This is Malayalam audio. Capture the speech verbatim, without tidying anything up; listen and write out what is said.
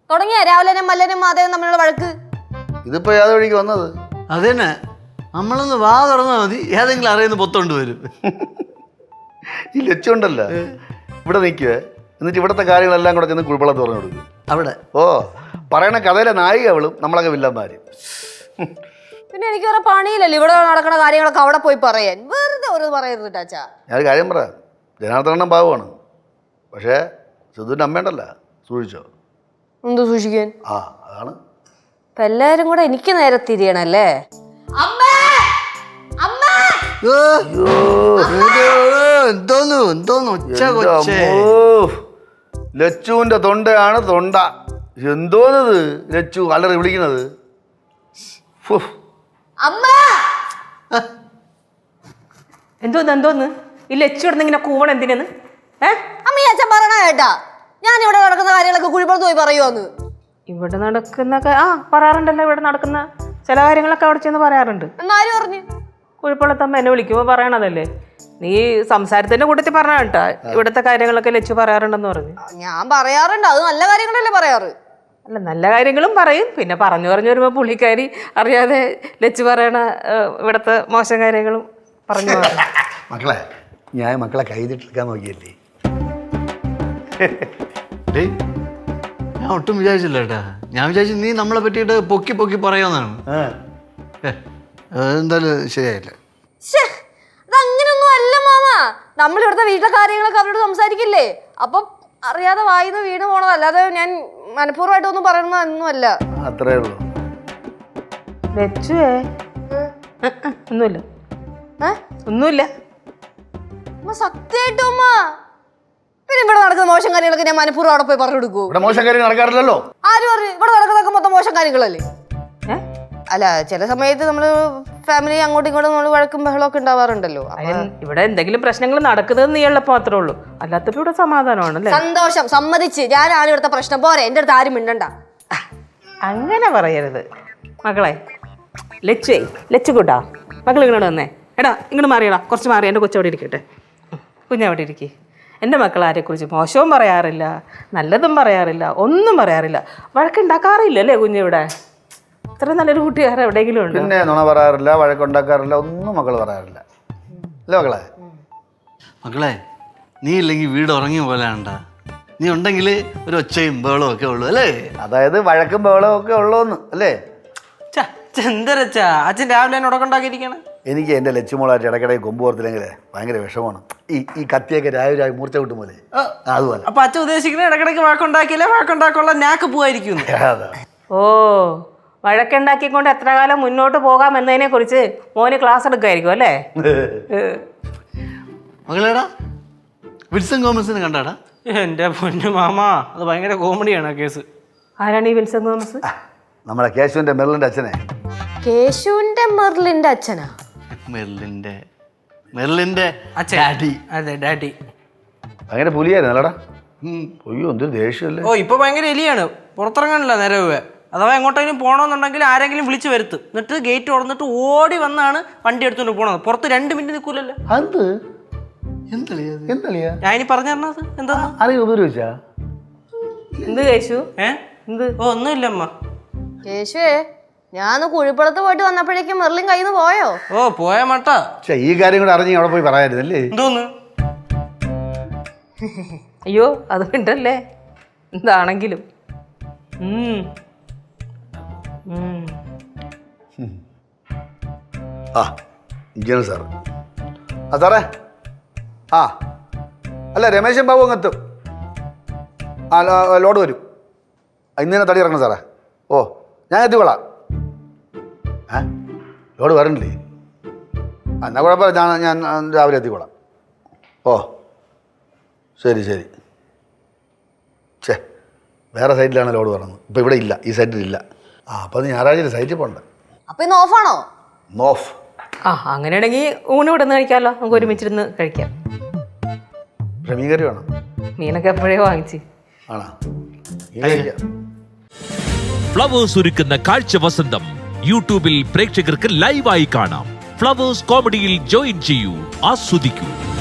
തുടങ്ങിയ രാവിലെ മല്ലനും മാധവനും തമ്മിലുള്ള വഴക്ക്. ഇതിപ്പോ ഏത് വഴിക്ക് വന്നത്? അതന്നെ, നമ്മളൊന്ന് വാ തുറന്നാൽ മതി, ഏതെങ്കിലും അറിയുന്ന പൊത്തോണ്ട് വരും. ഈ ലച്ചുണ്ടല്ല ഇവിടെ നിൽക്കുവേ, എന്നിട്ട് ഇവിടുത്തെ കാര്യങ്ങളെല്ലാം കൂടെ ചെന്ന് കുഴിപ്പള്ളത്ത് പറഞ്ഞു കൊടുക്കും അവിടെ. ഓ, പറയണ കഥയിലെ നായിക അവളും നമ്മളൊക്കെ വില്ലന്മാര്. പിന്നെ എനിക്ക് വേറെ പണിയില്ലല്ലോ ഇവിടെ നടക്കുന്ന കാര്യങ്ങളൊക്കെ അവിടെ പോയി പറയാൻ. വെറുതെ ഒരു പറയരുത് ടാച്ചാ. ഞാനൊരു കാര്യം പറയാം, ജനാർദ്ദനം പാവമാണ്, പക്ഷേ സിദ്ധുവിൻ്റെ അമ്മയുണ്ടല്ല, സൂക്ഷിച്ചോ. എന്ത് സൂക്ഷിക്കാൻ? ആ അതാണ്. ഇപ്പൊ എല്ലാരും കൂടെ എനിക്ക് നേരെ തിരിയണല്ലേ. എന്തോന്നു എന്തോന്നു ഒച്ച കൊച്ചേ. ലച്ചുവിന്റെ തൊണ്ടയാണ് തൊണ്ട. എന്തോന്നത് ലച്ചു അലറി വിളിക്കുന്നത്? എന്തോന്ന് എന്തോന്ന് ഈ ലച്ചു ഇടുന്ന ഇങ്ങനെ കൂവണം എന്തിനെന്ന്? ഏ അമ്മ അച്ഛൻ പറയണ കേട്ടാ, ഞാൻ ഇവിടെ നടക്കുന്ന കാര്യങ്ങളൊക്കെ കുഴിപ്പുറത്ത് പോയി പറയുമോന്ന്. ഇവിടെ നടക്കുന്ന ആ പറയാറുണ്ടല്ലോ, ഇവിടെ നടക്കുന്ന ചില കാര്യങ്ങളൊക്കെ അവിടെ ചെന്ന് പറയാറുണ്ട്. എന്നാരും പറഞ്ഞു കുഴിപ്പുള്ളത്തമ്മ എന്നെ വിളിക്കുമ്പോൾ പറയണതല്ലേ. നീ സംസാരത്തിന്റെ കൂട്ടത്തിൽ പറഞ്ഞ കേട്ടാ ഇവിടുത്തെ കാര്യങ്ങളൊക്കെ ലച്ചു പറയാറുണ്ടെന്ന് പറഞ്ഞു. ഞാൻ പറയാറുണ്ട്, അത് നല്ല കാര്യങ്ങളല്ലേ പറയാറ്. അല്ല, നല്ല കാര്യങ്ങളും പറയും, പിന്നെ പറഞ്ഞു പറഞ്ഞു വരുമ്പോ പുള്ളിക്കാരി അറിയാതെ ലച്ചു പറയണ ഇവിടുത്തെ മോശം കാര്യങ്ങളും പറഞ്ഞു. മക്കളെ, ഞാൻ മക്കളെ കൈതിട്ടെടുക്കാൻ നോക്കിയല്ലേ. ഞാൻ ഒട്ടും വിചാരിച്ചില്ല കേട്ടാ. ഞാൻ വിചാരിച്ചു നീ നമ്മളെ പറ്റിയിട്ട് പൊക്കി പൊക്കി പറയാന്നാണ്. എന്തായാലും ശരിയായില്ല. അതങ്ങനൊന്നും അല്ല മാമ. നമ്മൾ ഇവിടുത്തെ വീട്ടിലെ കാര്യങ്ങളൊക്കെ അവരോട് സംസാരിക്കില്ലേ, അപ്പൊ അറിയാതെ വായിന്ന് വീണ് പോണത്, അല്ലാതെ ഞാൻ മനഃപൂർവ്വമായിട്ടൊന്നും പറയണമെന്നൊന്നും അല്ല. അത്രേ ഉള്ളൂ. ലച്ചുവേ ഒന്നുമില്ല ഒന്നുമില്ല സത്യമായിട്ടും അമ്മ. പിന്നെ ഇവിടെ നടക്കുന്ന മോശം കാര്യങ്ങളൊക്കെ ഞാൻ മനഃപൂർവ്വം അവിടെ പോയി പറഞ്ഞു കൊടുക്കൂ? ഇവിടെ മോശം കാര്യം നടക്കാറില്ലല്ലോ. ആര് പറഞ്ഞു? ഇവിടെ നടക്കുന്നതൊക്കെ മൊത്തം മോശം കാര്യങ്ങളല്ലേ. അല്ല, ചില സമയത്ത് നമ്മള് ഫാമിലി അങ്ങോട്ടും ഇങ്ങോട്ടും നമ്മൾ വഴക്കും ബഹളമൊക്കെ ഉണ്ടാവാറുണ്ടല്ലോ. ഇവിടെ എന്തെങ്കിലും പ്രശ്നങ്ങൾ നടക്കുന്നത് നീ ഉള്ളപ്പോ മാത്രമേ ഉള്ളൂ, അല്ലാത്തപ്പോ ഇവിടെ സമാധാനമാണ്. സന്തോഷം, സമ്മതിച്ച്. ഞാനാണ് ഇവിടുത്തെ പ്രശ്നം, പോരെ എന്റെ അടുത്ത് ആരും മിണ്ടണ്ട. അങ്ങനെ പറയരുത് മക്കളെ. ലച്ചുവേ, ലച്ചു കൂട്ടാ മക്കൾ ഇങ്ങോട്ട് വന്നേ. എടാ ഇങ്ങോട്ട് മാറിയടാ, കുറച്ച് മാറി. എൻ്റെ കൊച്ചവിടെ ഇരിക്കട്ടെ, കുഞ്ഞവിടെ ഇരിക്കേ. എൻ്റെ മക്കൾ ആരെക്കുറിച്ച് മോശവും പറയാറില്ല, നല്ലതും പറയാറില്ല, ഒന്നും പറയാറില്ല, വഴക്കുണ്ടാക്കാറില്ല അല്ലേ കുഞ്ഞിവിടെ? ഇത്ര നല്ലൊരു കൂട്ടുകാരൻ എവിടെയെങ്കിലും ഉണ്ട്? പിന്നെ നുണ പറയാറില്ല, വഴക്കുണ്ടാക്കാറില്ല, ഒന്നും മക്കൾ പറയാറില്ല അല്ലേ മക്കളെ? മക്കളെ, നീ ഇല്ലെങ്കിൽ വീട് ഉറങ്ങിയ പോലെ ആണ്ടാ. നീ ഉണ്ടെങ്കിൽ ഒരു ഒച്ചയും ബഹളവും ഒക്കെ ഉള്ളൂ അല്ലേ? അതായത് വഴക്കും ബഹളവും ഒക്കെ ഉള്ളൂന്ന് അല്ലേ? എന്തരച്ചാ അച്ഛൻ രാവിലെ തന്നെ ഉടക്കുണ്ടാക്കിയിരിക്കണേ? എനിക്ക് എൻ്റെ ലച്ചുമോളായിട്ട് ഇടയ്ക്കിടയ്ക്ക് കൊമ്പ് ഓർത്തില്ലെങ്കിലേ ഭയങ്കര വിഷമമാണ്. ഈ ഈ കത്തിയൊക്കെ രാവിലെ മൂർച്ച കിട്ടും പോലെ അതുപോലെ. അപ്പൊ അച്ഛൻ ഉദ്ദേശിക്കുന്നത് ഇടയ്ക്കിടയ്ക്ക് വഴക്കുണ്ടാക്കിയില്ലേ വഴക്കുണ്ടാക്കുള്ള നാക്ക് പോവായിരിക്കും. ഓ, വഴക്കുണ്ടാക്കിക്കൊണ്ട് എത്ര കാലം മുന്നോട്ട് പോകാം എന്നതിനെ കുറിച്ച് മോന് ക്ലാസ് എടുക്കുമായിരിക്കും അല്ലേ? മകളേടാ, വിൽസൺ തോമസിനെ കണ്ടാടാ? എന്റെ പൊന്നു മാമ, അത് ഭയങ്കര കോമഡിയാണ് ആ കേസ്. ആരാണ് ഈ വിൽസൺ തോമസ്? നമ്മളെ കേശുവിന്റെ മെർലിന്റെ അച്ഛനെ. കേശുവിന്റെ മെർലിന്റെ അച്ഛനാ? മെർലിന്റെ മെർലിന്റെ ഡാഡി. അതെ, ഡാഡി. ഭയങ്കര പുലിയായിരുന്നു അല്ലടാ. അയ്യോ, എന്തൊരു ദേഷ്യമല്ലേ. ഓ, ഇപ്പൊ ഭയങ്കര എലിയാണ്, പുറത്തിറങ്ങാനില്ല നേരെ. അഥവാ എങ്ങോട്ടെങ്കിലും പോകണമെന്നുണ്ടെങ്കിൽ ആരെങ്കിലും വിളിച്ചു വരുത്തും, എന്നിട്ട് ഗേറ്റ് തുറന്നിട്ട് ഓടി വന്നാണ് വണ്ടി എടുത്തുകൊണ്ട് പോണത്. പുറത്ത് രണ്ട് മിനിറ്റ് നിൽക്കൂലല്ലോ. അത് ഞാൻ ഇനി പറഞ്ഞു തരണത് എന്താ അറിയോ? ഉപയോഗിച്ചാ എന്ത് കേശു? ഏ എന്ത്? ഓ, ഒന്നുമില്ല അമ്മ. കേശുവേ, ഞാൻ കുഴിപ്പുറത്ത് പോയിട്ട് വന്നപ്പോഴേക്കും മെർലിൻ കയ്യിൽ നിന്ന് പോയോ? ഓ, പോയ മട്ടാ. ഈ കാര്യം കൂടെ അറിഞ്ഞ് അവിടെ പോയി പറയായിരുന്നല്ലേ? എന്തോന്ന്? അയ്യോ, അത് ഉണ്ടല്ലേ എന്താണെങ്കിലും. ആ ഇങ്ങനെ സാറ്. ആ സാറേ, ആ അല്ല രമേശൻ ബാബു അങ്ങ് എത്തും. ആ ലോഡ് വരും. ഇന്ന് തന്നെ തടി ഇറങ്ങണം സാറേ. ഓ, ഞാൻ എത്തിക്കൊള്ളാം. ഏ ലോഡ് വരണില്ലേ? ആ എന്നാൽ കുഴപ്പമില്ല, ഞാൻ ഞാൻ രാവിലെ എത്തിക്കൊള്ളാം. ഓ ശരി ശരി. ഛേ, വേറെ സൈറ്റിലാണ് ലോഡ് പറഞ്ഞത്, ഇപ്പം ഇവിടെ ഇല്ല, ഈ സൈറ്റിലില്ല. ആ അപ്പം അത് ഞായറാഴ്ച സൈറ്റിൽ പോകണ്ട. അപ്പൊ ഇന്ന് ഓഫാണോ? നോഫ്. ആ, അങ്ങനെയാണെങ്കിൽ ഊണ് ഇവിടെ നിന്ന് കഴിക്കാമല്ലോ, നമുക്ക് ഒരുമിച്ചിരുന്ന് കഴിക്കാം. പക്ഷെ മീൻ കറി വേണം. മീനൊക്കെ എപ്പോഴേ വാങ്ങിച്ച് ആണോ? മീൻ കഴിക്കാം. ഫ്ലവേഴ്സ് ഒരുക്കുന്ന കാഴ്ച വസന്തം യൂട്യൂബിൽ പ്രേക്ഷകർക്ക് ലൈവായി കാണാം. ഫ്ലവേഴ്സ് കോമഡിയിൽ ജോയിൻ ചെയ്യൂ, ആസ്വദിക്കൂ.